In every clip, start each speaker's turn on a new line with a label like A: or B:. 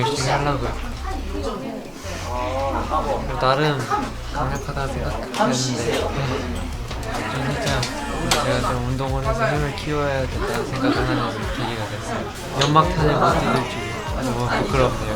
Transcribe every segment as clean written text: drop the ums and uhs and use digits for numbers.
A: 열심히 하려고요. 나름 강력하다 생각했는데 좀 살짝 제가 좀 운동을 해서 힘을 키워야 된다는 생각을 하는 계기가 됐어요. 연막탄을 못 뜯을 줄 너무 부끄럽네요.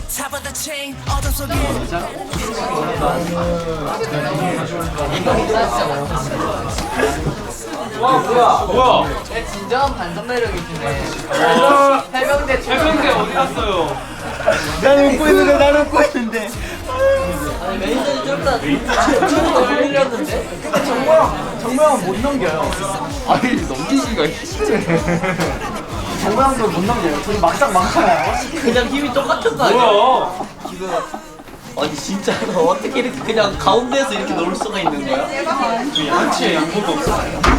B: 와 뭐야?
C: 내 진정한 반전 매력이시네.
B: 해병대 어디 갔어요?
D: 나는 웃고 있는데.
C: 아니 매니저님 좀 이따 흘렸는데?
D: 정모형 못 넘겨요.
B: 아니 넘기기가 힘드네.
D: 정모형도 못 넘겨요. 저희 막상 막하나요?
C: 그냥 힘이 똑같은 거 아니야?
B: 뭐야?
C: 지금 아니 진짜 너 어떻게 이렇게 그냥 가운데에서 이렇게 놀 수가 있는 거야?
B: 한치에 양보도 없어.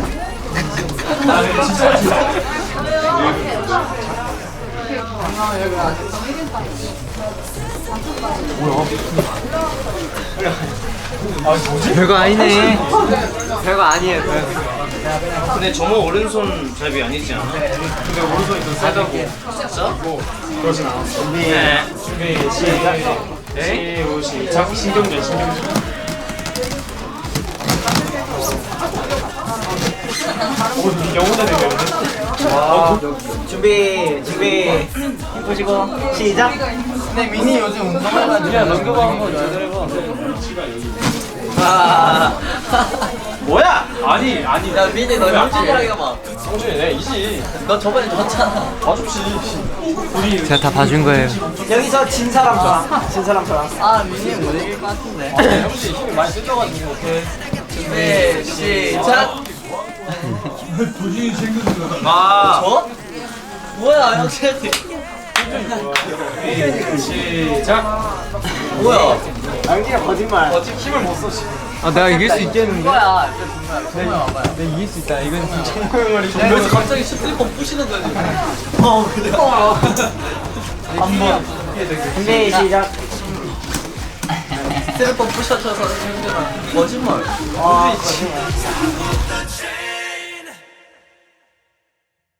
A: 별거 아니네. 별거 아니에요.
E: 근데 저모 오른손 잡이 아니지 않아?
B: 근데 오른손이 더 세다고.
E: 진짜?
B: 그러진 않았어. 준비 시작. 시작. 신경전. 영혼의 대결인데?
D: 준비. 힘 보시고 시작. 근데 민이 요즘 운동해가지고
B: 그냥 넘겨봐 한번 잘 해봐.
D: 뭐야?
B: 아니.
C: 야 민이 너 형준이랑 해봐.
B: 성준이 내 이지.
C: 너 저번에 졌잖아.
B: 봐줍시. 우리
A: 제가 다 봐준 거예요.
D: 여기서 진 사람 저랑.
C: 아 민이 못 이길 것 같은데.
B: 형씨 힘이 많이 뜯겨가지고 오케이.
C: 준비 시작.
B: 아.
C: 저? 뭐야 형준이?
B: 시작.
C: 뭐야?
D: 양기가 거짓말.
B: 힘을 못 써. 지금.
A: 아 내가 이길 수 있겠는데?
C: 뭐야? 정말 와봐요.
A: 내가 이길 수 있다. 이건 진짜.
C: 야, 그래서 갑자기 스트리퍼 부시는 거지. 그래.
B: 한번.
D: 준비 시작.
C: 스트리퍼 부셔쳐서 형준아 거짓말.
D: 거짓말.